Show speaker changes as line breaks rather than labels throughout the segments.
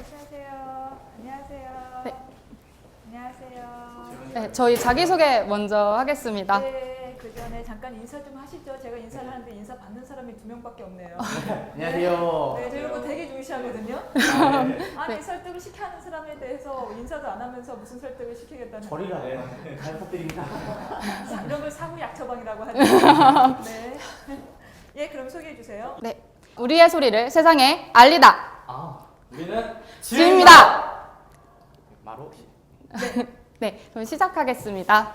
말씀하세요. 안녕하세요.
네.
안녕하세요.
네, 저희 자기소개 먼저 하겠습니다.
네, 그 전에 잠깐 인사 좀 하시죠. 제가 인사를 하는데 인사 받는 사람이 2명밖에 없네요.
안녕하세요.
네, 저희 이거 되게 중시하거든요. 아니,
네.
설득을 시켜야 하는 사람에 대해서 인사도 안 하면서 무슨 설득을 시키겠다는
저리가 잘 부탁드립니다.
이런 걸 사후 약처방이라고 하죠. 네. 예, 그럼 소개해 주세요.
네, 우리의 소리를 세상에 알리다.
우리는
지입니다.
마로.
네, 그럼 시작하겠습니다.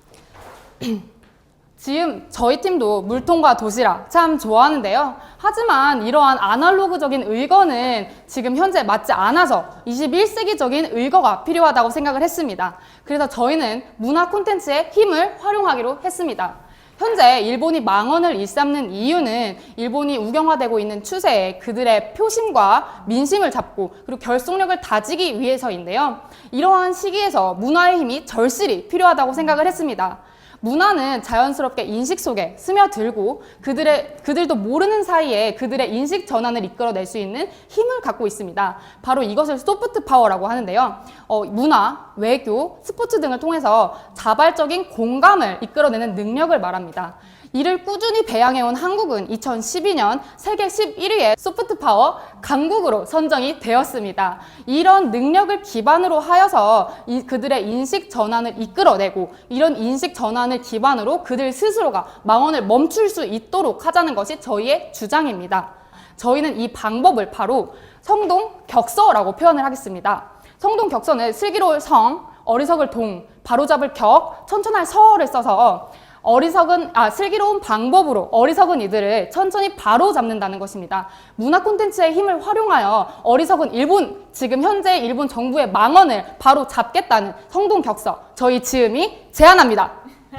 지금 저희 팀도 물통과 도시락 참 좋아하는데요. 하지만 이러한 아날로그적인 의거는 지금 현재 맞지 않아서 21세기적인 의거가 필요하다고 생각을 했습니다. 그래서 저희는 문화 콘텐츠의 힘을 활용하기로 했습니다. 현재 일본이 망언을 일삼는 이유는 일본이 우경화되고 있는 추세에 그들의 표심과 민심을 잡고 그리고 결속력을 다지기 위해서인데요. 이러한 시기에서 문화의 힘이 절실히 필요하다고 생각을 했습니다. 문화는 자연스럽게 인식 속에 스며들고 그들도 모르는 사이에 그들의 인식 전환을 이끌어낼 수 있는 힘을 갖고 있습니다. 바로 이것을 소프트 파워라고 하는데요. 문화, 외교, 스포츠 등을 통해서 자발적인 공감을 이끌어내는 능력을 말합니다. 이를 꾸준히 배양해온 한국은 2012년 세계 11위의 소프트 파워 강국으로 선정이 되었습니다. 이런 능력을 기반으로 하여서 그들의 인식 전환을 이끌어내고 이런 인식 전환을 기반으로 그들 스스로가 망언을 멈출 수 있도록 하자는 것이 저희의 주장입니다. 저희는 이 방법을 바로 성동격서라고 표현을 하겠습니다. 성동격서는 슬기로울 성, 어리석을 동, 바로잡을 격, 천천할 서를 써서 슬기로운 방법으로 어리석은 이들을 천천히 바로 잡는다는 것입니다. 문화 콘텐츠의 힘을 활용하여 어리석은 지금 현재 일본 정부의 망언을 바로 잡겠다는 성동격서, 저희 지음이 제안합니다.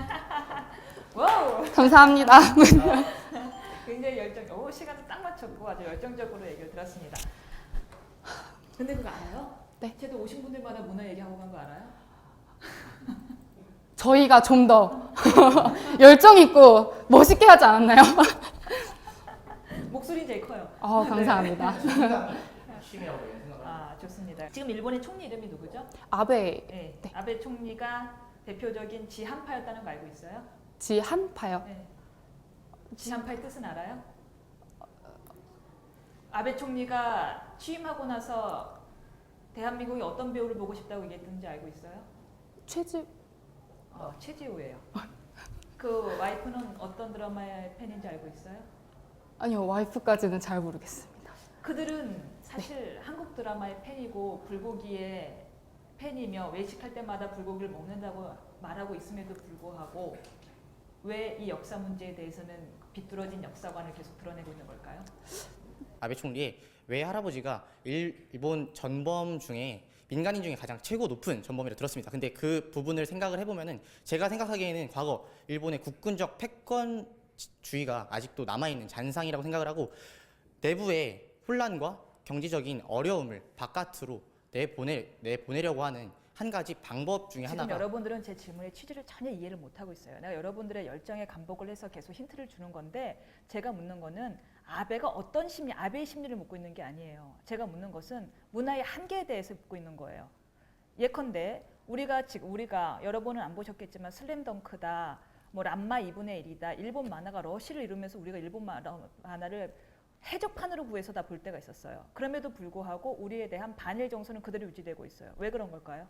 와우.
감사합니다.
굉장히 시간을 딱 맞췄고 아주 열정적으로 얘기를 들었습니다. 근데 그거 알아요?
네.
쟤도 오신 분들마다 문화 얘기하고 간 거 알아요?
저희가 좀 더 열정 있고 멋있게 하지 않았나요?
목소리 제일 커요.
감사합니다.
심이라고 생각을.
아, 좋습니다. 지금 일본의 총리 이름이 누구죠?
아베
네.
네.
아베 총리가 대표적인 지한파였다는 거 알고 있어요?
지한파요.
네. 지한파의 뜻은 알아요? 아베 총리가 취임하고 나서 대한민국이 어떤 배우를 보고 싶다고 얘기했는지 알고 있어요? 최지우예요. 그 와이프는 어떤 드라마의 팬인지 알고 있어요?
아니요, 와이프까지는 잘 모르겠습니다.
그들은 사실 한국 드라마의 팬이고 불고기의 팬이며 외식할 때마다 불고기를 먹는다고 말하고 있음에도 불구하고 왜 이 역사 문제에 대해서는 비뚤어진 역사관을 계속 드러내고 있는 걸까요?
아베 총리의 외할아버지가 일본 전범 중에 민간인 중에 가장 최고 높은 전범이라 들었습니다. 근데 그 부분을 생각을 해보면은 제가 생각하기에는 과거 일본의 국군적 패권주의가 아직도 남아있는 잔상이라고 생각을 하고 내부의 혼란과 경제적인 어려움을 바깥으로 내보내려고 하는 한 가지 방법 중에
지금
하나가
여러분들은 제 질문의 취지를 전혀 이해를 못하고 있어요. 내가 여러분들의 열정에 감복을 해서 계속 힌트를 주는 건데 제가 묻는 거는 아베가 어떤 심리, 아베의 심리를 묻고 있는 게 아니에요. 제가 묻는 것은 문화의 한계에 대해서 묻고 있는 거예요. 예컨대 우리가 여러분은 안 보셨겠지만 슬램덩크다, 뭐 람마 2분의 1이다, 일본 만화가 러시를 이루면서 우리가 일본 만화를 해적판으로 구해서 다 볼 때가 있었어요. 그럼에도 불구하고 우리에 대한 반일 정서는 그대로 유지되고 있어요. 왜 그런 걸까요?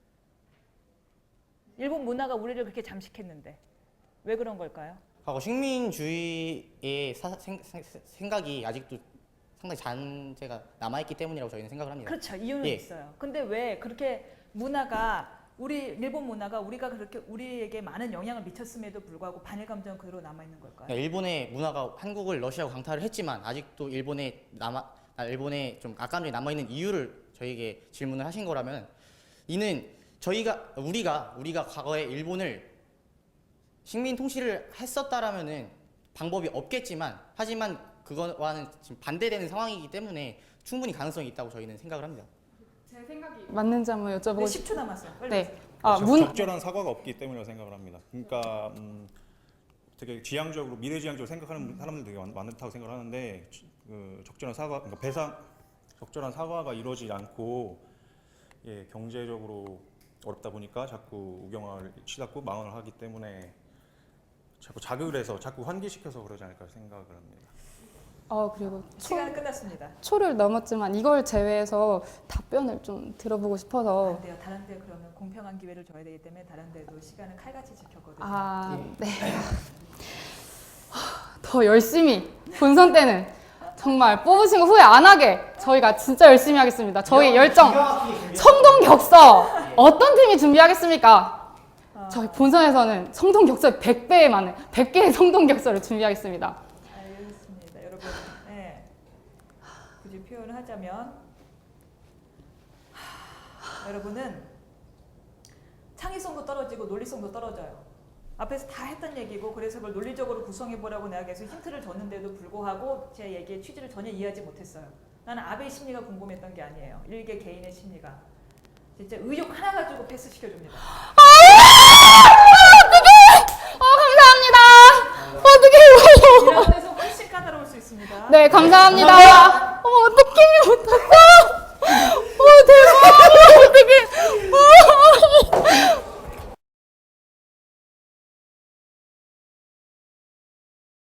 일본 문화가 우리를 그렇게 잠식했는데 왜 그런 걸까요?
과거 식민주의의 생각이 아직도 상당히 잔재가 남아있기 때문이라고 저희는 생각을 합니다.
그렇죠. 이유는
예.
있어요. 근데 왜 그렇게 일본 문화가 우리가 그렇게 우리에게 많은 영향을 미쳤음에도 불구하고 반일 감정은 그대로 남아있는 걸까요?
일본의 문화가 한국을 러시아하고 강타를 했지만 아직도 일본에 좀 악감정이 남아있는 이유를 저희에게 질문을 하신 거라면 이는 우리가 과거에 일본을 식민 통치를 했었다라면은 방법이 없겠지만 하지만 그거와는 지금 반대되는 상황이기 때문에 충분히 가능성이 있다고 저희는 생각을 합니다.
제 생각이 맞는지 한번 여쭤보고
10초 남았어요. 빨리
네.
적절한 사과가 없기 때문이라고 생각을 합니다. 그러니까 되게 미래지향적으로 생각하는 사람들 되게 많다고 생각을 하는데 그 적절한 사과, 그러니까 배상 적절한 사과가 이루어지지 않고 예, 경제적으로 어렵다 보니까 자꾸 우경화를 치닫고 망언을 하기 때문에 자꾸 자극을 해서 자꾸 환기시켜서 그러지 않을까 생각을 합니다.
그리고
시간은 끝났습니다.
초를 넘었지만 이걸 제외해서 답변을 좀 들어보고 싶어서.
안 돼요. 다른 데 그러면 공평한 기회를 줘야 되기 때문에 다른 데도 시간을 칼같이 지켰거든요.
네. 더 열심히 본선 때는 정말 뽑으신 거 후회 안 하게 저희가 진짜 열심히 하겠습니다. 저희 열정, 성동격서 어떤 팀이 준비하겠습니까? 저희 본선에서는 성동격서 100배에 많은 100개의 성동격서를 준비하겠습니다.
알겠습니다. 여러분, 네. 굳이 표현을 하자면 여러분은 창의성도 떨어지고 논리성도 떨어져요. 앞에서 다 했던 얘기고 그래서 그걸 논리적으로 구성해보라고 내가 계속 힌트를 줬는데도 불구하고 제 얘기의 취지를 전혀 이해하지 못했어요. 나는 아베의 심리가 궁금했던 게 아니에요. 일개 개인의 심리가. 진짜 의욕 하나 가지고 패스시켜줍니다.
감사합니다. 어떻게
이런 데서 훨씬 까다로울 수 있습니다.
네, 감사합니다. 어떡해.